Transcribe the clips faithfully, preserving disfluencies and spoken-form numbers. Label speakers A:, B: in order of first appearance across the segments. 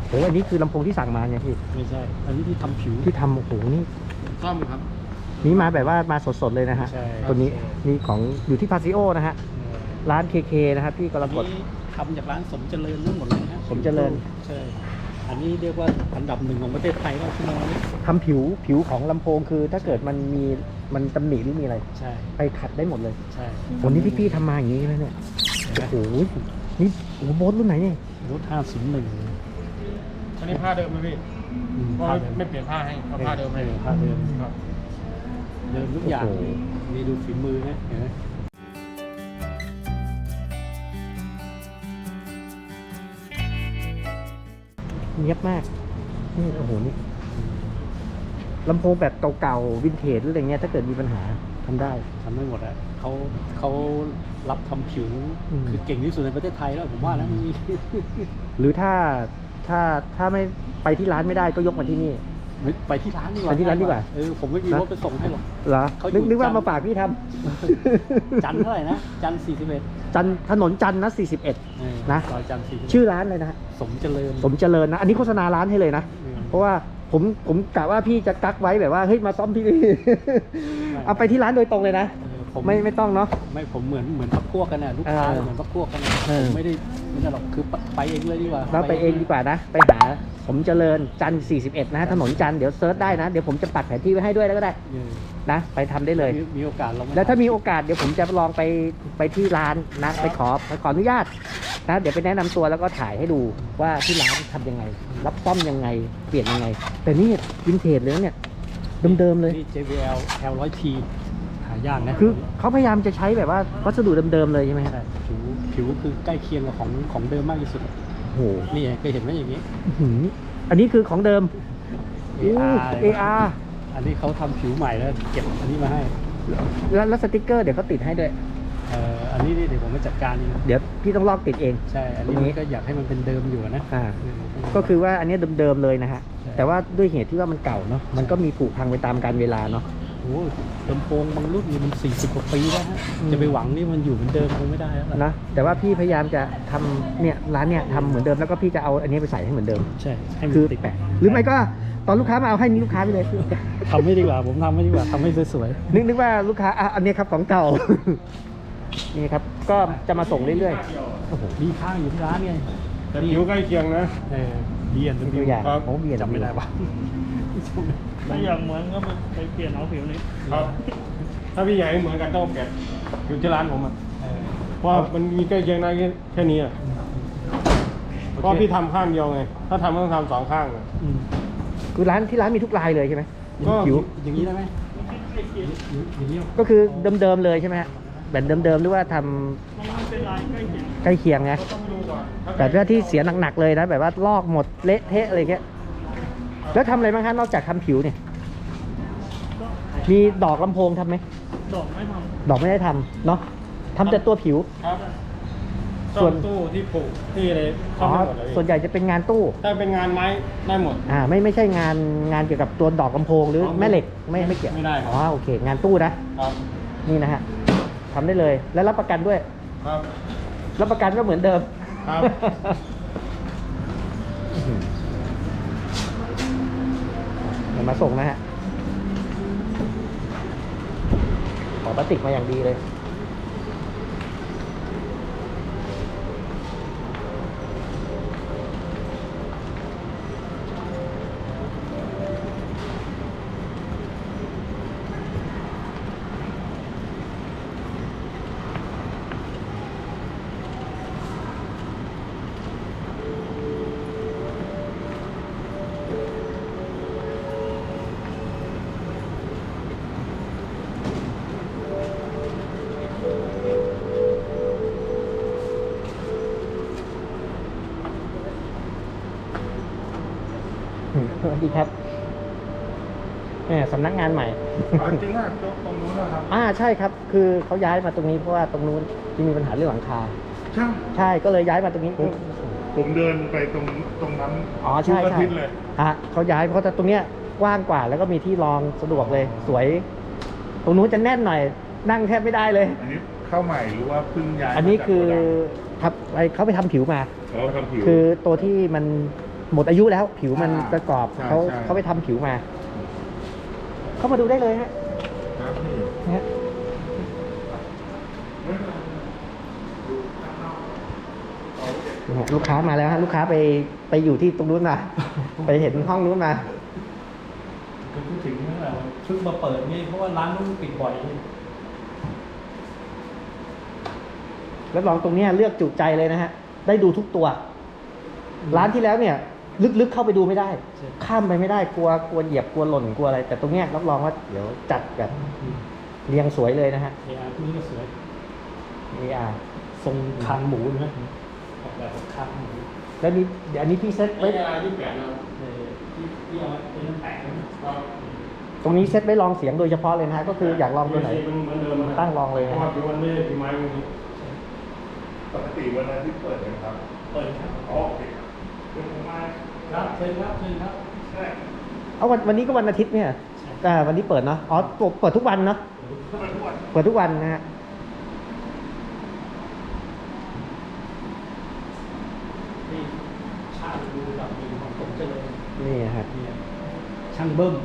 A: โอ้อันนี้คือลำโพงที่สั่งมาเนี่ยพี่
B: ไม่ใช่อันนี้ที่ทำผิว
A: ที่ทำโอ้โหนี่
C: ซ่อมครับ
A: นี่มาแบบว่ามาสดๆเลยนะฮะตัวนี้นี่ของอยู่ที่พาซิโอนะฮะร้าน เค เค นะครับพี่กรกฎ
B: ทำจากร้านสมเจริญทั้งหมดเลยนะ
A: สมเจริญ
B: ใช่อันนี้เรียกว่าอันดับหนึ่งของประเทศไทยแล้วที่มา
A: ทำผิวผิวของลำโพงคือถ้าเกิดมันมีมันตำหนิหรือมีอะไร
B: ใช่
A: ไปขัดได้หมดเลย
B: ใช่
A: วันนี้พี่พี่ทำมาอย่างนี้ใช่ไหมเนี่ยโอ้โหนี่โอ้โหโบสรุ่นไหนเนี่ย
B: โบสห้าศูนย์หนึ่ง
C: อันนี้ผ้าเดิมไหมพี่ผ้าไม่เปลี่ยนผ้าให้เอาผ้าเดิมให้
B: ผ้าเดิมครับเดิมทุกอย่างนี่ดูฝีมือนะเห็นไหม
A: เนียบมากนี่โอ้โหนี่ลำโพงแบบเก่าๆวินเทจหรืออะไรเงี้ยถ้าเกิดมีปัญหาทำได้
B: ทำได้หมดอะเขาเขารับทำผิวคือเก่งที่สุดในประเทศไทยแล้วผมว่านะ
A: หรือถ้าถ้าถ้าไม่ไปที่ร้านไม่ได้ก็ยกมาที่นี่
B: ไปที่ร้านดีกว่า
A: ไปที่ร้านดีกว่า
B: เออผมไม่มีรถไปส่งให้หรอก
A: เหรอนึกนึกว่ามาฝากพี่ท
B: ำจันเท่าไหร่นะจันสี่สิบเอ็ด
A: จันถนนจันนะสี่สิบเอ็ดนะชื่อร้านเลยนะ
B: สมเจริญ
A: สมเจริญนะอันนี้โฆษณาร้านให้เลยนะเพราะว่าผมผมกะว่าพี่จะกักไว้แบบว่าเฮ้ยมาซ่อมพี่เอาไปที่ร้านโดยตรงเลยนะไม่ไม่ต้องเนาะ
B: ไม่ผมเหมือนเหมือนพักพวกกันนะลูกค้าเหมือนพักพวกกันผมไม่ได้ไม่ได้หรอกคือไปเองเลยดีกว่า
A: เราไปเองดีกว่านะไปหาสมเจริญจันสี่สิบเอ็ดนะถนนจันเดี๋ยวเซิร์ชได้นะเดี๋ยวผมจะปักแผนที่ไว้ให้ด้วยแล้วก็ได้นะไปทำได้เลย
B: มีโอกาสลอง
A: แล้วถ้ามีโอกาสเดี๋ยวผมจะลองไปไปที่ร้านนะไปขอไปขออนุญาตนะเดี๋ยวไปแนะนำตัวแล้วก็ถ่ายให้ดูว่าที่ร้านทำยังไงรับซ่อมยังไงเปลี่ยนยังไงแต่นี่วินเทจเลยเนี่ยเดิมๆเลย
B: นี่ เจ วี แอล แอล หนึ่งร้อย ที หายากนะ
A: คือเขาพยายามจะใช้แบบว่าวัสดุเดิมๆเลยใช่ไหมครับ
B: ผิวผิวคือใกล้เคียงกับของของเดิมมากที่สุด
A: โอ้โห
B: นี่เคยเห็นไหมอย่างนี้
A: อันนี้คือของเดิม
B: เอ อาร์ อันนี้เขาทำผิวใหม่แล้วเก็บอันนี้มาให้
A: แล้วแล้วสติ๊กเกอร์เดี๋ยวเขาติดให้ด้วย
B: เอ่ออันนี้เดี๋ยวผมมาจัดการเอง
A: เดี๋ยวพี่ต้องลอกติดเอง
B: ใช่อันนี้ก็อยากให้มันเป็นเดิมอยู่นะ
A: อ่าก็คือว่าอันนี้เดิมๆเลยนะฮะแต่ว่าด้วยเหตุที่ว่ามันเก่าเนาะมันก็มีผุพังไปตามกาลเวลาเนาะ
B: โอ้ลำโพงบางรุ่นนี่มันสี่สิบกว่าปีแล้วฮะจะไปหวังนี่มันอยู่เหมือนเดิมคงไม่ได้แล้ว
A: นะแต่ว่าพี่พยายามจะทำเนี่ยร้านเนี่ยทำเหมือนเดิมแล้วก็พี่จะเอาอันนี้ไปใส่ให้เหมือนเดิม
B: ใช่
A: คือติดแปะหรือไม่ก็ตอนลูกค้ามาเอาให้นี่ลูกค้าไปเลย
B: ทำไม่ดีกว่าผมทำไม่ดีกว่าทำให้สวย
A: ๆนึกนึกว่าลูกค้าอ่ะอันนี้ครับของเก่านี่ครับก็จะมาส่งเรื่อย
B: ๆโอ้โหมีข้างอยู่ที่ร้านไง
C: แต่ผิวใกล้เคียงนะ
B: เออเบียน
A: ตัวอย่าง
C: ครับ
A: ผมเบียน
B: จำไม่ได้ปะ
D: ถ้าอยากเหมือนก็ไปเปลี่ยนเอาผิวนี้
C: ครับถ้าพี่ใหญ่เหมือนกันต้องแกะผิวที่ร้านผมอ่ะเพราะมันมีใกล้เคียงได้แค่นี้อ่ะเพราะพี่ทำข้างเดียวไงถ้าทำต้องทำสองข้างอ่ะ
A: คือร้านที่ร้านมีทุกลายเลยใช่ไหม
B: ก็ผิวอย่างนี้ได้ไหม
A: ก็คือเดิมๆเลยใช่ไหมฮะแบบเดิมๆหรือว่าทำใกล้เคียงไงแต่ถ้าที่เสียหนักๆเลยนะแบบว่าลอกหมดเละเทะอะไรเงี้ยแล้วทำอะไรบ้างคะนอกจากทำผิวเนี่ยมีดอกลำโพงทำไหม
D: ดอกไม่ท
A: ำดอกไม่ได้ทำเนาะทำแต่ตัวผิว
C: ครับส่วนตู้ที่ผูกที่อะไร
A: อ๋อส่วนใหญ่จะเป็นงานตู้
C: ถ้าเป็นงานไม้ได้หมด
A: อ่าไม่ไม่ใช่งานงานเกี่ยวกับตัวดอกลำโพงหรือแม่เหล็กไม่ไม่เกี่ยว
C: ไม่ได้
A: อ๋อโอเคงานตู้นะครับนี่นะฮะทำได้เลยแล้วรับประกันด้วย
C: ครับ
A: รับประกันก็เหมือนเดิม
C: ครับ
A: เดี๋ยวมาส่งนะฮะขอพลาสติกมาอย่างดีเลยสวัสดีครับแหมสำนักงานใหม่
C: จริงอ่ะตรงนู้นนะครับ
A: อ่าใช่ครับคือเขาย้ายมาตรงนี้เพราะว่าตรงนู้นที่มีปัญหาเรื่องหลังคา
C: ใช่
A: ใช่ก็เลยย้ายมาตรงนี้
C: ผมเดินไปตรงตรงนั้น
A: อ๋อใช่ใช่ฮะเขาย้ายเพราะตรงเนี้ยกว้างกว่าแล้วก็มีที่รองสะดวกเลยสวยตรงนู้นจะแน่นหน่อยนั่งแทบไม่ได้เลย
C: อันนี้เข้าใหม่หรือว่าเพิ่งย้าย
A: อันนี้คือทับเขาไปทำผิวมา
C: เขาทำผิว
A: คือตัวที่มันหมดอายุแล้ว ผิวมัน
C: อ่า
A: ประกอบ
C: ใช่
A: เขา
C: ใช่
A: เขาไปทำผิวมา เข้ามาดูได้เลยฮะ
C: ครับพี่
A: นะฮะนะฮะลูกค้ามาแล้วฮะลูกค้าไปไปอยู่ที่ตรงนู้นมา ไปเห็นห้องนู้นมา
B: คือพูดถึงนั่นแหละเพิ่งมาเปิดนี่เพราะว่าร้านนู้นปิดบ่อยนี่
A: แล้วลองตรงเนี้ยเลือกจุใจเลยนะฮะ ได้ดูทุกตัว ร้านที่แล้วเนี่ย ลึกๆเข้าไปดูไม่ได้ ข้ามไปไม่ได้กลัวกลัวเหยียบกลัวหล่นกลัวอะไร แต่ตรงเนี้ยรับรองว่าเดี๋ยวจัดแบบเรียงสวยเลยนะฮะ
B: เออาร์ที่นี่ก็สวย
A: เออาร์
B: ทรงคางหมูนะออกแบบคางหมู
A: แล้วนี่เดี๋ยวอันนี้พี่เซต
C: ไม่
A: ไว้
C: ได้ยี่สิบแปดนะ
B: เออที่ที่เอาไว้เป็นน้ำแตกนะ
C: ครับ
A: ตรงนี้เซตไว้ลองเสียงโดยเฉพาะเลยนะฮะก็คืออยากลองตัวไหน
C: มันเหมือนเดิมนะ
A: ตั้งลองเลย
C: เพ
A: นะ
C: ราะ
A: ครั
C: ว่า
A: บ
C: ผิวมันไม่ได้ผิวไม้พวกนี้
E: ปกติวันนั้นที่เปิดนะครับ
B: เปิดครับ
E: อ๋อโอเคครับ
B: ครับเชิญครับเชิญครับ
E: ใช่
A: เอาวันวันนี้ก็วันอาทิตย์เนี่ยอ่าวันนี้เปิดเนาะอ๋อเปิดเปิดทุกวันเนาะ
E: เปิดทุกวัน
A: เปิดทุกวันนะฮะ
B: นี่ช่างดูแบบมีของผมเจริญ
A: นี่ฮะ
B: เนี่ยช่างเบิ้ม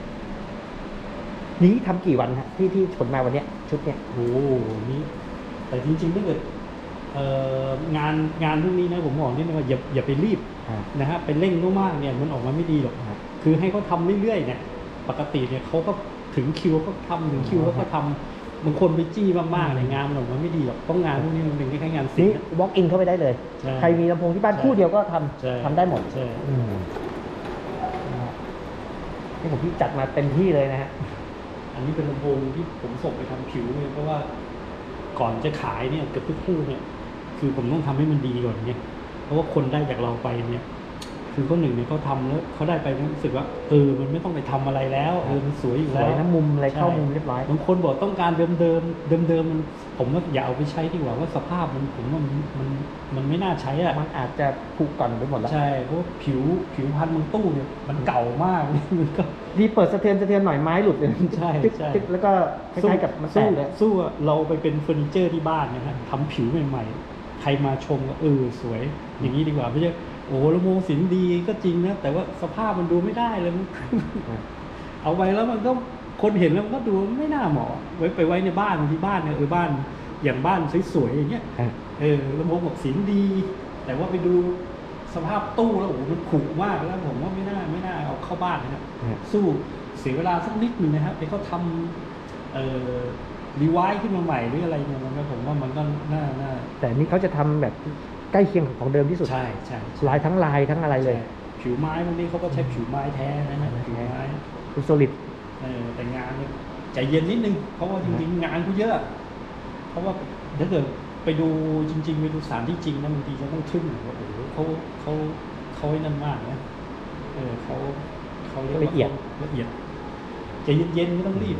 A: นี้ทำกี่วันฮะที่ที่ขนมาวันเนี้ยชุดเนี้ย
B: โอ้โหนี่แต่จริงๆถ้าเกิดเอ่องานงานพวกนี้นะผมบอกนี่นะว่าอย่าอย่าไปรีบ
A: อ่า
B: นะฮะไปเร่งมากๆเนี่ยมันออกมาไม่ดีหรอก
A: ครับ
B: คือให้เขาทำเรื่อยๆเนี่ยปกติเนี่ยเขาก็ถึงคิวเขาทำถึงคิวเขาก็ทำบางคนไปจี้มากๆเนี่ยงานมันออกมาไม่ดีหรอกต้องงานพวกนี้มันเป็นแค่งานศิล
A: นี่
B: ป์นะ
A: walk in เข้าไปได้เลย
B: ใช่
A: ใครมีลำโพงที่บ้าน
B: ใช่
A: คู่เดียวก็ท
B: ใช่
A: ำทำได้หมด
B: ใช่
A: อืมนะฮะนี่ผมพี่จัดมาเต็มที่เลยนะฮะ
B: อันนี้เป็นลำโพงที่ผมส่งไปทำผิวเนี่ยเพราะว่าก่อนจะขายเนี่ยเกือบทุกคู่เนี่ยคือผมต้องทำให้มันดีก่อนเนี่ยเพราะว่าคนได้จากเราไปเนี่ย คือคนหนึ่งเนี่ยเขาทำแล้วเขาได้ไปเขารู้สึกว่าเออมันไม่ต้องไปทำอะไรแล้วเออมันสวยอยู่
A: ส
B: แล้ว
A: วยนะมุมอะไร
B: ใช่
A: เข้ามุมเรียบร้อย
B: บางคนบอกต้องการเดิมเดิมเดิมเดิมๆมันผมว่าอย่าเอาไปใช้ดีกว่าว่าสภาพมันผมว่ามันมันมันไม่น่าใช้อ่ะ
A: มันอาจจะผูกก่อนไปหมดแล้ว
B: ใช่เพราะว่าผิวผิวพันธุ์มันตู้เนี่ยมันเก่ามาก มันก็
A: ดีเปิดสะเทือนสะเทือนหน่อยไม้หลุดเลย
B: ใช่
A: ตึ๊ก
B: ใช่
A: ตึ๊กแล้วก็คล้ายๆกับมันแต
B: สู้
A: กเลย
B: สู้เราไปเป็นเฟอร์นิเจอร์ที่บ้านนะฮะทำผิวใหม่ๆใครมาชมก็เออสวย อย่างนี้ดีกว่าไม่ใช่โอ้โหลำโพงสินดีก็จริงนะแต่ว่าสภาพมันดูไม่ได้เลยมัน เอาไว้แล้วมันก็คนเห็นแล้วมันก็ดูไม่น่าเหมาะไว้ไปไว้ในบ้านที่บ้านเนี่ยเออบ้านอย่างบ้านสวยๆอย่างเงี้ย
A: อ่ะ
B: เออลำโพงบอกสินดี แต่ว่าไปดูสภาพตู้แล้วโอ้โหมันขรุมากแล้วผมว่าไม่น่าไม่น่าเอาเข้าบ้านนะครับ
A: อ่ะ
B: สู้เสียเวลาสักนิดหนึ่งนะครับไปเขาทำเอ่อรีไวซ์ขึ้นมาใหม่หรืออะไรเนี่ยมันก็ผมว่ามันก็น่าน่า
A: แต่อันนี่เขาจะทำแบบใกล้เคียงของเดิมที่สุด
B: ใช่ใช่ใช่
A: ลายทั้งลายทั้งอะไรเลย
B: ใช่ผิวไม้พวกนี้เขาก็ใช้ผิวไม้แท้นะฮะผิวไม้
A: คือโซลิด
B: เออแต่งานเนี่ยใจเย็นนิดนึงเพราะว่าจริงๆงานเขาเยอะ เพราะว่าถ้าเกิดไปดูจริง ๆ ไปดูสถานที่จริงนะบางทีจะต้องทึ่งว่าโอ้โหเขาเขาเขาไอ้นั่นมากนะเออเขาเขารีกว่า
A: ละเอียด
B: ละเอียดใจเย็นๆไม่ต้องรีบ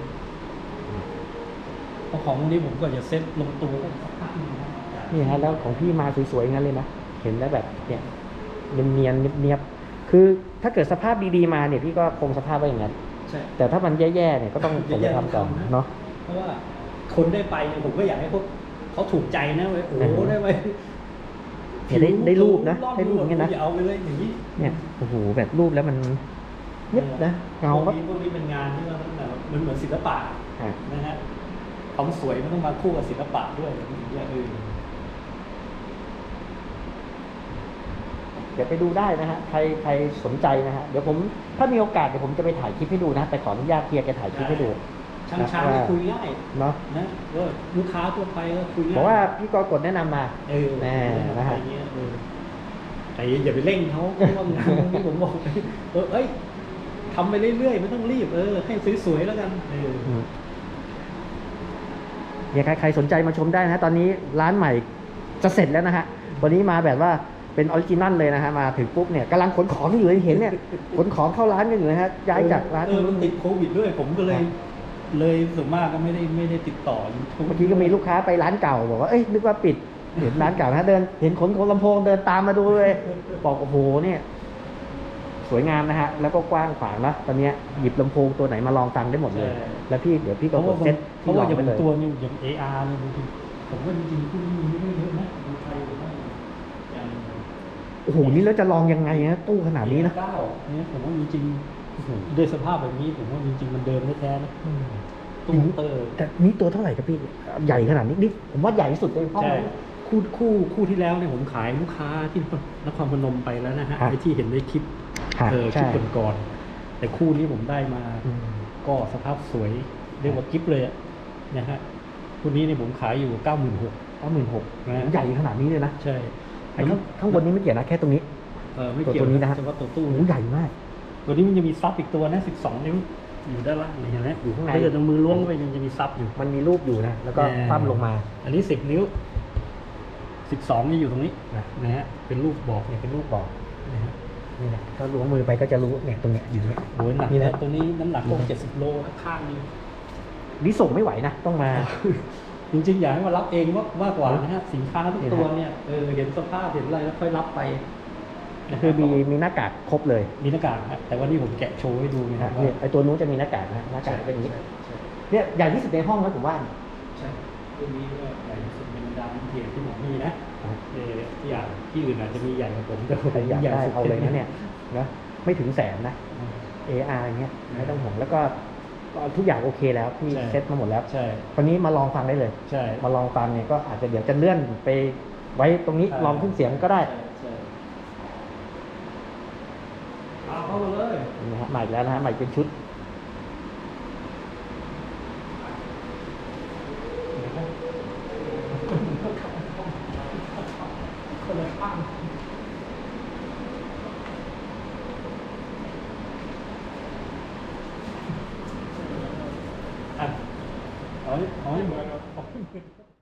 B: เพราะของพวกนี้ผมก็จะเซ็ตลงตัวก็สักพักหนึงนะ
A: นี่ฮะแล้วของพี่มาสวยๆงั้นเลยนะเห็นแล้วแบบเนี่ยเนียนๆเนียบๆคือถ้าเกิดสภาพดีๆมาเนี่ยพี่ก็คงสภาพไว้อย่างนั้น
B: ใช่
A: แต่ถ้ามันแย่ๆเนี่ยก็ต้องส่งไปทำก่อนเนาะ
B: เพราะว่าคนได้ไปเนี่ยผมก็อยากให้เขาเขาถูกใจนะเว้ยโอ้โห
A: อืม
B: ได้ไป
A: เห็นได้ได้รูปนะ
B: ผิว
A: ได้รูปอย่างเงี้ยนะ
B: อย่าเอาไปเลยอย่างนี้
A: เนี่ยโอ้โหแบบรูปแล้วมันเย็บนะเงา
B: พว
A: ก็
B: กนี้พวกนี้เป็นงานที่ว่าแบบมันเหมือนศิลปะ
A: อ่ะ
B: นะฮะความสวยมันต้องมาคู่กับศิลปะด้วยอย่างเงี้ยเออ
A: เดี๋ยวไปดูได้นะฮะใครใครสนใจนะฮะเดี๋ยวผมถ้ามีโอกาสเดี๋ยวผมจะไปถ่ายคลิปให้ดูนะไปขออนุญาตเฮียแกถ่ายคลิปให้ดู
B: ช่างช้างคุยง่าย
A: เนาะ
B: นะว่าลูกค้าทั่วไปก็คุยง่าย
A: บอกว่าพี่กกดแนะนำมา
B: เออ
A: แน่นะฮะ
B: อะไรเงี้ยเออแต่อย่าไปเร่งเขาเพราะว่างานพวกนี้ผมบอกเออเอ้ยทำไปเรื่อยๆไม่ต้องรีบเออให้สวยๆแล้วกันเออ
A: อืมเนี่ยใครใครสนใจมาชมได้นะฮะตอนนี้ร้านใหม่จะเสร็จแล้วนะฮะวันนี้มาแบบว่าเป็นออริจินัลเลยนะฮะมาถึงปุ๊บเนี่ยกำลังขนของอยู่เลยเห็นเนี่ยขนของเข้าร้านกันอยู่นะฮะย้ายจากร้าน
B: เออมันติดโควิดด้วย ผมก็เลย เลยส่วนมากก็ไม่ได้ไม่ได้ติดต่อ YouTube
A: เมื่อกี้ก็มีลูกค้าไปร้านเก่าบอกว่าเอ้ยนึกว่าปิดเห็นร้านเก่านะเดินเห็นขนของลำโพงเดินตามมาดูเลยบอกโอ้โหเนี่ยสวยงามนะฮะแล้วก็กว้างขวางนะตอนเนี้ยหยิบลำโพงตัวไหนมาลองฟังได้หมดเลย
B: ใช่
A: แล้วพี่เดี๋ยวพี่
B: เพ
A: ก็
B: ราะ
A: ก
B: ว่า
A: ด
B: ผม
A: เซ็ต
B: เพ
A: ที่
B: ราะ
A: ลอ
B: ว่าง อย่าง
A: ไปเลย
B: ตัวนี้อย่าง เอ อาร์ เนี่ยบางทีผมว่าจริงๆพวกนี้มันไม่ได้เยอะนะดูไทยหรือว่าอย่าง
A: โอ้โหนี่แล้วจะลองยังไงนะตู้ขนาดนี้นะ
B: เก้าเนี่ยผมว่าจริงๆโอ้โหด้วยสภาพแบบนี้ผมว่าจริงๆมันเดิมแท้ๆนะตู้เตอร์
A: แต่นี่ตัวเท่าไหร่ครับพี่ใหญ่ขนาดนี้นี่ผมว่าใหญ่ที่สุดในห้อง
B: ใช่
A: นะ
B: คู่คู่คู่ที่แล้วเนี่ยผมขายลูกค้าที่นครพนมไปแล้วนะฮะ
A: ครับ
B: ไอ้ที่เห็นในคลิป
A: ครับ
B: เออค
A: ใช่
B: ลิปก่อนๆแต่คู่นี้ผมได้มา
A: อืม
B: ก็สภาพสวยเรียกว่ากิฟเลยอะนะฮะคู่นี้เนี่ยผมขายอยู่เก้าหมื่นหก
A: เก้าหมื่นหก
B: นะ
A: ใหญ่ขนาดนี้เลยนะ
B: ใช่
A: ไอ้ข้างข้างบนนี้ไม่เกี่ยวนะแค่ตรงนี้
B: เออไม่เกี่ยว
A: ตัวนี้นะครับ
B: เฉพาะตัวตู้
A: โอ้โหใหญ่มาก
B: ตัวนี้มันจะมีซับอีกตัวนะสิบสองนิ้วอยู่ด้านล่างเห็นไหม
A: อยู่ข้างใน
B: ถ้าเกิดเอามือล้วงเข้าไปมันจะมีซับอยู่
A: มันมีรูปอยู่นะแล้วก็
B: แน่
A: คว่ำลงมา
B: อันนี้สิบนิ้วสิบสองนี่อยู่ตรงนี้
A: นะ
B: นะฮะเป็นรูปบอก
A: เนี่ยเป็นรูปบอก
B: นะฮะ
A: นี่นะก็ล้วงมือไปก็จะรู้เนี่ยตรงเนี้ยอยู่เนี่ย
B: โอ้ยหนัก
A: นี่
B: นะ
A: นะ
B: ตัวนี้น้ำหนักพวกเจ็ดสิบโลข้างนึง
A: นี่ส่งไม่ไหวนะต้องมา
B: จริงๆอยากให้มารับเองมากมากกว่านะฮะสินค้าทุก
A: นี่นะ
B: ตัวเนี่ยเออเห็นสภาพเห็นอะไรแล้วค่อยรับไปนะฮะ
A: คือมีมีหน้ากากครบเลย
B: มีหน้ากากฮะแต่วันนี้ผมแกะโชว์ให้ดูนะ
A: นะ
B: ค
A: ฮะ
B: รับว่า
A: เนี่ยไอตัวนู้นจะมีหน้ากากนะหน้ากากเป็นอย่างนี้
B: ใช่ใช่
A: เนี่ยใหญ่ที่สุดในห้องแล้วผมว่า
B: ใช่ตัวนี้ก็ใหญ่ที่สุดเป็นดาวน์เทียมที่ผมมีนะเออที่อย่างที่อื่นอาจจะมีใหญ่กว่าผมแต่ผม
A: ใครอยาก
B: ใหญ่
A: ได้
B: สุด
A: เอาเลยนะเนี่ยนะไม่ถึงแสนนะ เอ อาร์ อย่างเงี้ยไม่ต้องห่วงแล้วก็ทุกอย่างโอเคแล้วที่
B: ใช่
A: เซ็ตมาหมดแล้ว
B: ใช่
A: คนนี้มาลองฟังได้เลย
B: ใช่
A: มาลองฟังเนี่ยก็อาจจะเดี๋ยวจะเลื่อนไปไว้ตรงนี้
B: ใช่
A: ลองขึ้นเสียงก็ได้
B: ใช่ใช่เอาเข้ามาเลย
A: นะฮะใหม่อีกแล้วนะฮะใหม่เป็นชุด
B: คนละข้างอ่ะเอาให้เอาให้เหมือนเอาให้เหมือน